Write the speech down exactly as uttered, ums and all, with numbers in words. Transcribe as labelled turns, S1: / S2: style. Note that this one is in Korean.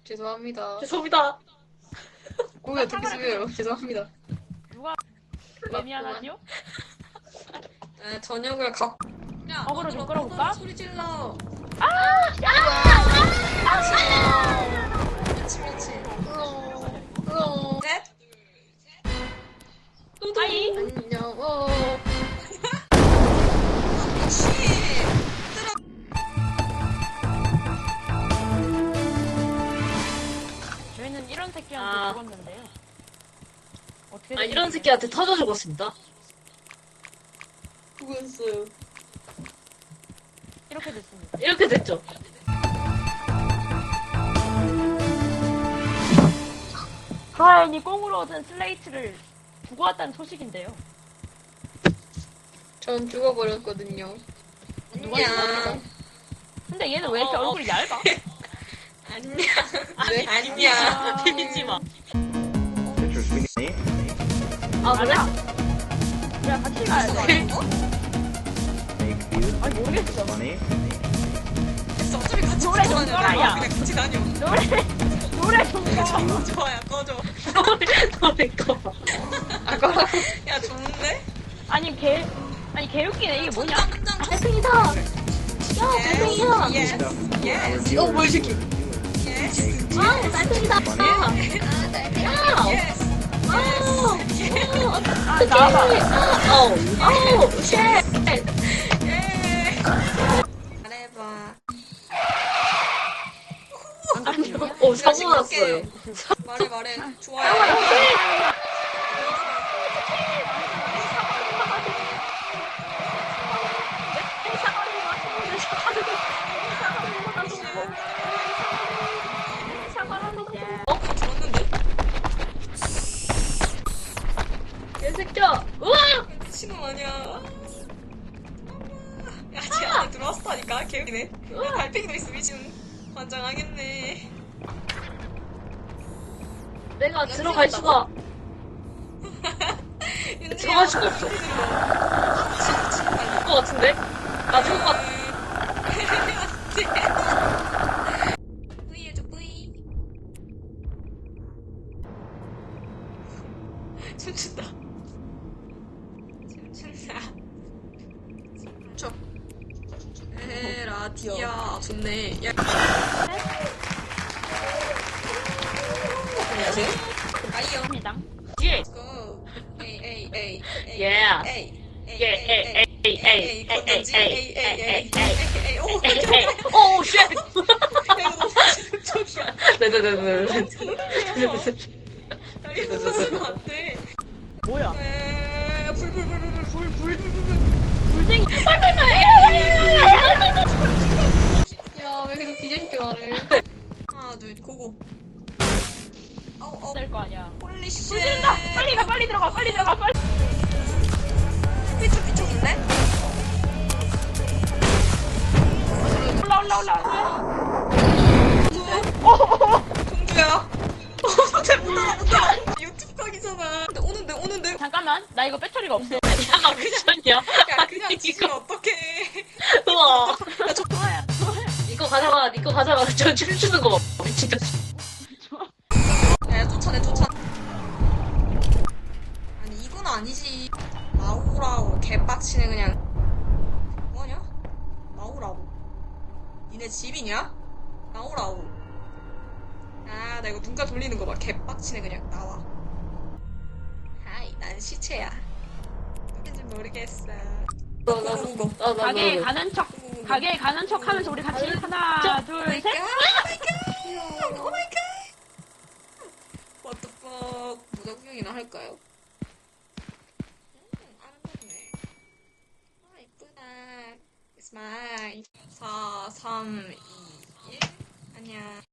S1: 죄송합니다.
S2: 죄송합니다.
S1: 고개 어떻게 숙여요? 죄송합니다.
S3: 누가 왜 미안하지요?
S2: 아, 저녁을 가. 야,
S3: 어그로 좀
S2: 너들아,
S3: 끌어볼까?
S2: 소리 질러.
S3: 아!
S2: 미치 미치.
S1: 으어.
S2: 셋.
S3: 아이!
S1: 안녕. 어.
S2: 미치.
S3: 저희는 이런 새끼한테
S2: 아.
S3: 죽었는데요. 어떻게
S2: 아,
S3: 된
S2: 이런
S3: 일이에요?
S2: 새끼한테 터져 죽었습니다.
S1: 수고했어요.
S3: 이렇게 됐습니다.
S2: 이렇게 됐죠.
S3: 하인이 꽁으로 얻은 슬레이트를 두고 왔다는 소식인데요.
S1: 전 죽어버렸거든요.
S2: 안녕.
S3: 근데 얘는 왜 이렇게
S2: 어, 어.
S3: 얼굴이 얇아?
S2: 안녕.
S1: 네?
S2: 아니야. 비비지 마.
S4: Pictures we need.
S2: 아, 그래?
S3: 야, 같이 가야 돼.
S4: Make views.
S3: 아니, 모르겠어.
S4: Money.
S2: 어차피 같이
S3: 노래 좀
S2: 다녀.
S3: 꺼라, 야.
S2: 그냥 같이 다녀.
S3: 노래, 노래 좀 꺼.
S2: 좋아요, 꺼져. 너내 거.
S1: 아까
S2: 야, 좋은데?
S3: 아니, 개, 아니, 개웃기네. 이게 뭐냐?
S2: 짱짱
S1: 달팽이다. 야, 달팽이야.
S2: 예스. 예스.
S1: 어, 뭐야, 이 새끼.
S2: 예스.
S1: 아, 달팽이다.
S4: Money.
S1: 아, 달팽이야.
S2: 예스.
S3: 아, 나와봐.
S1: 어, 어, 쉣.
S2: 예. 잘해봐.
S1: 어, 사고 났어요.
S2: 말해, 말해. 좋아요. 어? 들었는데?
S1: 개새끼야. 우와!
S2: 미친놈 아니야. 야, 쟤 안에 들어왔다니까? 개웃기네. 야, 달팽이도 있어, 미친. 환장하겠네.
S1: 내가 들어갈 수가. 들어갈 수가 없어.
S2: 것
S1: 것 같은데? 나 죽을 것 같아.
S2: 뿌이 해줘, 뿌이. 춤춘다. 춤춘다. 춤춰. 에라디야. 좋네. 야. 안녕하세요. 아이요.
S3: 입니다.
S1: 예.
S2: Go. 에이, 에이, 에이. 에이,
S1: Yeah.
S2: 에이. 에이,
S1: 예,
S2: 에이,
S1: 에이, 에이, 에이, 에이,
S2: 건전지.
S1: 에이,
S2: 에이, 에이, 에이,
S1: 에이,
S2: 에이, 에이. 오,
S1: 에이,
S2: 깜짝이야.
S1: 에이. 오, 쉣.
S2: 야, 이거 너무 충격이야.
S1: 네네네네.
S2: 야, 이거 쓰면 안 돼.
S3: 뭐야?
S2: 에, 불, 불, 불, 불, 불, 불, 불, 불, 불.
S3: 불쟁이.
S1: 야, 왜 계속 뒤집게 말해.
S2: 하나, 둘, 고고. 어우, 어우,
S3: 될거 아니야.
S2: 홀리 쉣.
S3: 불 지른다. 빨리 가, 빨리 들어가, 빨리 들어가, 빨리.
S2: 피쪽, 피쪽인데?
S3: 올라, 올라, 올라, 올라.
S2: 동주야. 어, 쟤못 알아, 못 알아. 유튜브 각이잖아. 근데 오는데, 오는데.
S3: 잠깐만, 나 이거 배터리가 없어.
S1: 야, 미쳤냐?
S2: 야, 그냥 지금 어떡해.
S1: 우와.
S2: 야, 저,
S3: 좋아요, 좋아요.
S1: 이거 가져가, 이거 가져가. 저 춤추는 거 봐. 미치겠어.
S2: 야, 야, 쫓아내, 쫓아. 아니, 이건 아니지. 나오라고, 개빡치네, 그냥. 뭐하냐? 나오라고. 니네 집이냐? 나오라고. 아, 나 이거 눈가 돌리는 거 봐. 개빡치네, 그냥. 나와. 하이, 난 시체야. 누군지 모르겠어. 고고고.
S1: 나, 나,
S3: 가게에
S1: 나.
S3: 가는 척, 가게에 가는 척 하면서 우리 같이 하나, 둘, 셋.
S2: 오마이갓! 오마이갓! What the fuck. 모자 구경이나 할까요? 음, 아름답네. 아, 이쁘다. It's mine. 사, 삼, 이, 일. 안녕.